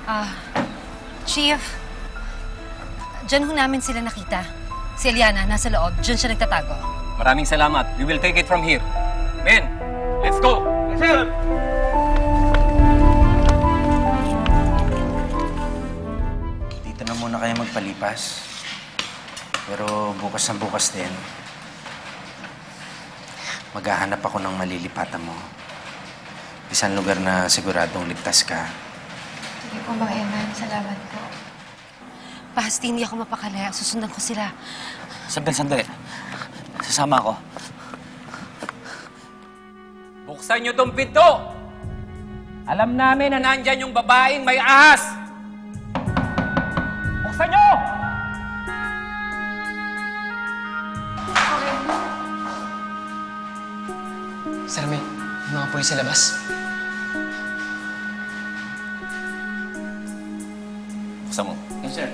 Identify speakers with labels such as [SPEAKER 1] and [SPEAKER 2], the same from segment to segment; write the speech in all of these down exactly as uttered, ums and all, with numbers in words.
[SPEAKER 1] Ah, Chief, dyan ho namin sila nakita. Si Eliana, nasa loob. Dyan siya nagtatago.
[SPEAKER 2] Maraming salamat. We will take it from here. Men, let's go! Yes, sir!
[SPEAKER 3] Dito na muna kayo magpalipas. Pero bukas na bukas din, maghahanap ako ng malilipatan mo. Isang lugar na siguradong ligtas ka.
[SPEAKER 4] Sige po, Mang Eman. Salamat po.
[SPEAKER 1] Basta hindi ako mapakalaya. Susundan ko sila.
[SPEAKER 5] Sandali, sandali. Sasama ako.
[SPEAKER 2] Buksan niyo tong pinto! Alam namin na nandyan yung babaeng may ahas! Buksan niyo!
[SPEAKER 6] Salome, yung mga pulis sa labas.
[SPEAKER 2] Buksan mo.
[SPEAKER 3] Yes, sir.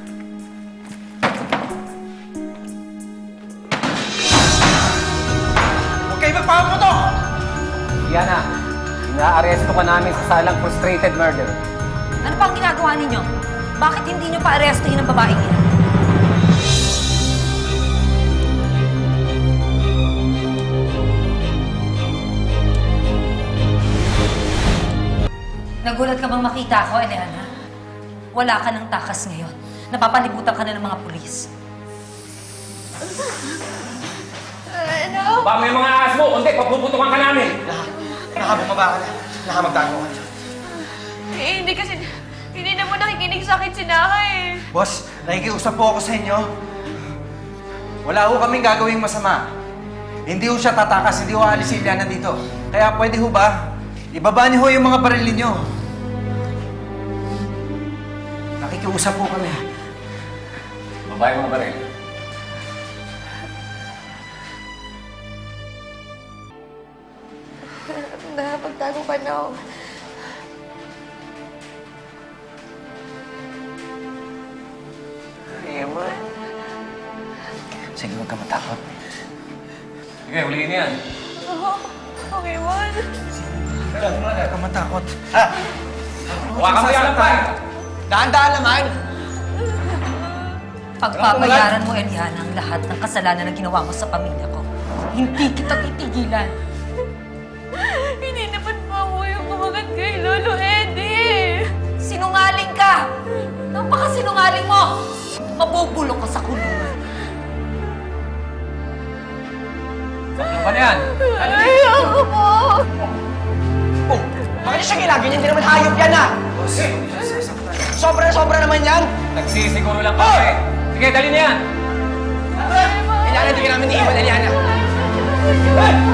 [SPEAKER 6] Huwag kayo magpapatutok!
[SPEAKER 2] Diana, ina-aresto ka namin sa salang frustrated murder.
[SPEAKER 1] Ano pa ang ginagawa ninyo? Bakit hindi nyo pa-arestuhin ang babaeng yan? Nagulat ka bang makita ako, Eliana? Wala ka ng takas ngayon. Napapalibutan ka na ng mga pulis.
[SPEAKER 4] Ano?
[SPEAKER 2] Ba, may mga ahas mo! Kundi, papuputukan ka namin!
[SPEAKER 6] Nakabumaba ka na. Nakamagtago ka na.
[SPEAKER 4] Eh, hindi kasi... Hindi naman nakikinig sa akin si Naka eh.
[SPEAKER 3] Boss, nakikiusap po ako sa inyo. Wala ho kaming gagawing masama. Hindi ho siya tatakas, hindi ho aalis si Eliana dito. Kaya pwede ho ba, ibaba niyo ho yung mga baril niyo. Nakikiusap po kami.
[SPEAKER 2] Babae mga baril.
[SPEAKER 4] Nakapagtago pa na ako.
[SPEAKER 3] Eman. Sige, huwag ka matakot.
[SPEAKER 2] Sige, huliin niyo yan.
[SPEAKER 4] Oo. Okay, man.
[SPEAKER 3] Huwag ka matakot. Ha?
[SPEAKER 2] Huwakan mo yan ang pa!
[SPEAKER 6] Daan-daan naman!
[SPEAKER 1] Pagpapayaran mo, Eliana, ang lahat ng kasalanan na ginawa mo sa pamilya ko. Hindi kita titigilan.
[SPEAKER 4] Hindi naman po ako yung kumagat kay Lolo Eddie.
[SPEAKER 1] Sinungaling ka! Napakasinungaling mo! Mabubulok ka sa kulungan.
[SPEAKER 2] Saklo ka na yan!
[SPEAKER 4] Ayoko po.
[SPEAKER 6] Oh, bakit siya gilagin niya? Hindi naman hayop yan ah! Sobra-sobra naman yan!
[SPEAKER 2] Nagsisiguro lang kami. Sige, dali na yan!
[SPEAKER 6] Eliana, hindi ka namin iiwan, Eliana.
[SPEAKER 4] Ay!